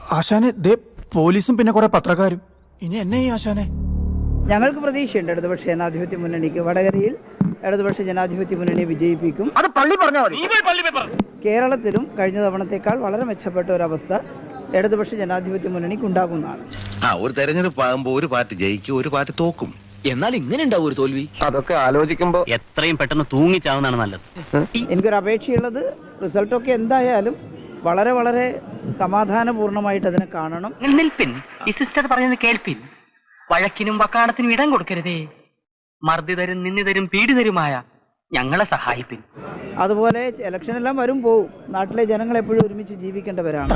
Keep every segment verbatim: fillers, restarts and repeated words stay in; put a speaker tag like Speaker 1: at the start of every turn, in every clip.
Speaker 1: ആശാനെ ദേ പോലീസും പിന്നെ കുറെ പത്രക്കാരും. ഇനി എന്നെ ഈ ആശാനെ.
Speaker 2: ഞങ്ങൾക്ക് പ്രതീക്ഷയുണ്ട് ഇടതുപക്ഷ ജനാധിപത്യ മുന്നണിക്ക്. വടകരയിൽ ഇടതുപക്ഷ ജനാധിപത്യ മുന്നണിയെ വിജയിപ്പിക്കും.
Speaker 3: അത് പള്ളി പറഞ്ഞാൽ മതി.
Speaker 2: കേരളത്തിലും കഴിഞ്ഞ തവണത്തേക്കാൾ വളരെ മെച്ചപ്പെട്ട ഒരവസ്ഥ ഇടതുപക്ഷ ജനാധിപത്യ മുന്നണിക്ക് ഉണ്ടാകുന്നതാണ്.
Speaker 4: ആ ഒരു തെരഞ്ഞെടുപ്പ് ആകുമ്പോൾ ഒരു പാർട്ടി ജയിക്കും, ഒരു പാർട്ടി തോക്കും.
Speaker 5: എന്നാൽ ഇങ്ങനെ ഉണ്ടാവും ഒരു തോൽവി.
Speaker 3: അതൊക്കെ ആലോചിക്കുമ്പോ
Speaker 5: എത്രയും പെട്ടെന്ന് തൂങ്ങിച്ചാവുന്നതാണ് നല്ലത്.
Speaker 2: എനിക്കൊരു അപേക്ഷയുള്ളത് റിസൾട്ടൊക്കെ എന്തായാലും വളരെ വളരെ സമാധാനപൂർണ്ണമായിട്ട് അതിനെ കാണണം.
Speaker 6: നിൽപ്പിൻ, ഈ സിസ്റ്റർ പറയുന്നത് കേൾപ്പിൻ. വഴക്കിനും വക്കാണത്തിനും ഇടം കൊടുക്കരുതേ. മർദ്ദിതരും നിന്ദിതരും പീഡിതരുമായ ഞങ്ങളെ സഹായിപ്പിൻ.
Speaker 2: അതുപോലെ ഇലക്ഷനെല്ലാം വരും പോവും. നാട്ടിലെ ജനങ്ങൾ എപ്പോഴും ഒരുമിച്ച് ജീവിക്കേണ്ടവരാണ്.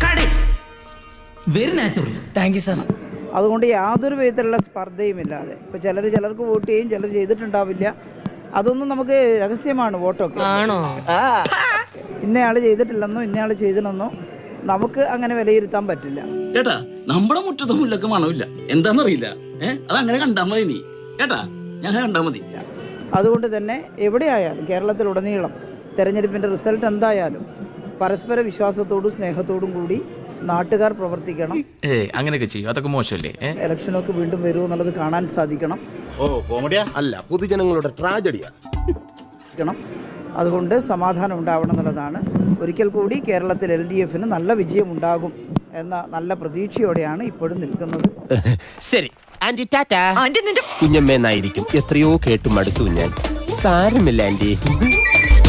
Speaker 7: Very natural. Thank you sir.
Speaker 2: അതുകൊണ്ട് യാതൊരു വിധത്തിലുള്ള സ്പർദ്ധയും ഇല്ലാതെ ഇപ്പൊ ചിലർ ചിലർക്ക് വോട്ട് ചെയ്യും, ചിലർ ചെയ്തിട്ടുണ്ടാവില്ല. അതൊന്നും നമുക്ക് രഹസ്യമാണ് വോട്ടൊക്കെ.
Speaker 7: ആണോ?
Speaker 2: ഇന്നയാള് ചെയ്തിട്ടില്ലെന്നോ ഇന്നയാള് ചെയ്തില്ലെന്നോ നമുക്ക് അങ്ങനെ വിലയിരുത്താൻ പറ്റില്ല.
Speaker 8: കേട്ടാ, നമ്മുടെ മുറ്റത്തെ മുല്ലക്ക് മണമില്ല, എന്താന്നറിയില്ല. ഏഹ് അതങ്ങനെ കണ്ടാ മതി നീ. കേട്ടാ, ഞാൻ കണ്ടാ മതി.
Speaker 2: അതുകൊണ്ട് തന്നെ എവിടെയായാലും കേരളത്തിലുടനീളം തെരഞ്ഞെടുപ്പിന്റെ റിസൾട്ട് എന്തായാലും പരസ്പര വിശ്വാസത്തോടും സ്നേഹത്തോടും കൂടി നാട്ടുകാർ പ്രവർത്തിക്കണം.
Speaker 1: അങ്ങനെയൊക്കെ ചെയ്യും, അതൊക്കെ മോശമല്ലേ?
Speaker 2: ഇലക്ഷനൊക്കെ വീണ്ടും വരുമോ എന്നുള്ളത് കാണാൻ സാധിക്കണം.
Speaker 4: ഓ കോമഡിയാ അല്ല, പൊതുജനങ്ങളുടെ ട്രാജഡിയാ.
Speaker 2: അതുകൊണ്ട് സമാധാനം ഉണ്ടാവണം എന്നുള്ളതാണ്. ഒരിക്കൽ കൂടി കേരളത്തിൽ എൽ ഡി എഫിന് നല്ല വിജയം ഉണ്ടാകും എന്ന നല്ല പ്രതീക്ഷയോടെയാണ് ഇപ്പോഴും നിൽക്കുന്നത്.
Speaker 9: ശരി ആന്റി, ടാറ്റ. കുഞ്ഞമ്മേന്നായിരിക്കും. എത്രയോ കേട്ടും മടുത്തു ഞാൻ. സാരമില്ല ആന്റി.